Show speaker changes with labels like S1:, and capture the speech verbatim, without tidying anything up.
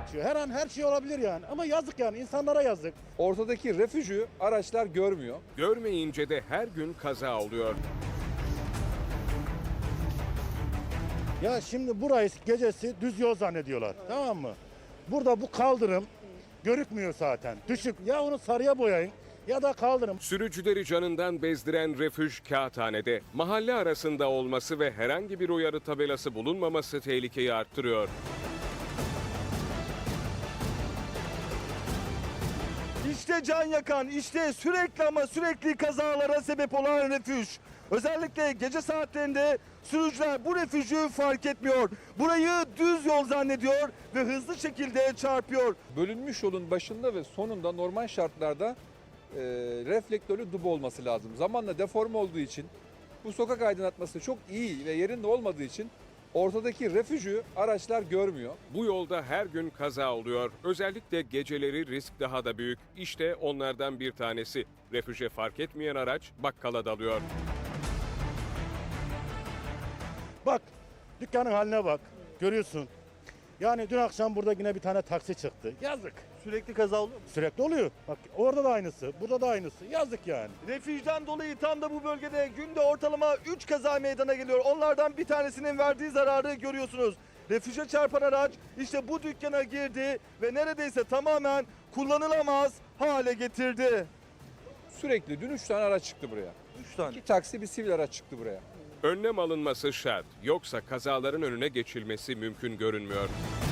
S1: geçiyor. Her an her şey olabilir yani. Ama yazık yani, insanlara yazık.
S2: Ortadaki refüjü araçlar görmüyor.
S3: Görmeyince de her gün kaza oluyor.
S1: Ya şimdi burayı gecesi düz yol zannediyorlar. Tamam mı? Burada bu kaldırım görükmüyor zaten. Düşük. Ya onu sarıya boyayın ya da kaldırın.
S3: Sürücüleri canından bezdiren refüj Kağıthane'de mahalle arasında olması ve herhangi bir uyarı tabelası bulunmaması tehlikeyi arttırıyor.
S4: İşte can yakan, işte sürekli ama sürekli kazalara sebep olan refüj. Özellikle gece saatlerinde sürücüler bu refüjü fark etmiyor. Burayı düz yol zannediyor ve hızlı şekilde çarpıyor.
S2: Bölünmüş yolun başında ve sonunda normal şartlarda e, reflektörlü duba olması lazım. Zamanla deforme olduğu için bu sokak aydınlatması çok iyi ve yerinde olmadığı için ortadaki refüjü araçlar görmüyor.
S3: Bu yolda her gün kaza oluyor. Özellikle geceleri risk daha da büyük. İşte onlardan bir tanesi. Refüje fark etmeyen araç bakkala dalıyor.
S1: Bak, dükkanın haline bak. Görüyorsun. Yani dün akşam burada yine bir tane taksi çıktı. Yazık.
S4: Sürekli kaza oluyor mu?
S1: Sürekli oluyor. Bak orada da aynısı, burada da aynısı. Yazık yani.
S4: Refüjden dolayı tam da bu bölgede günde ortalama üç kaza meydana geliyor. Onlardan bir tanesinin verdiği zararı görüyorsunuz. Refüje çarpan araç işte bu dükkana girdi ve neredeyse tamamen kullanılamaz hale getirdi.
S2: Sürekli dün üç tane araç çıktı buraya.
S4: üç tane.
S2: İki taksi bir sivil araç çıktı buraya.
S3: Önlem alınması şart. Yoksa kazaların önüne geçilmesi mümkün görünmüyor.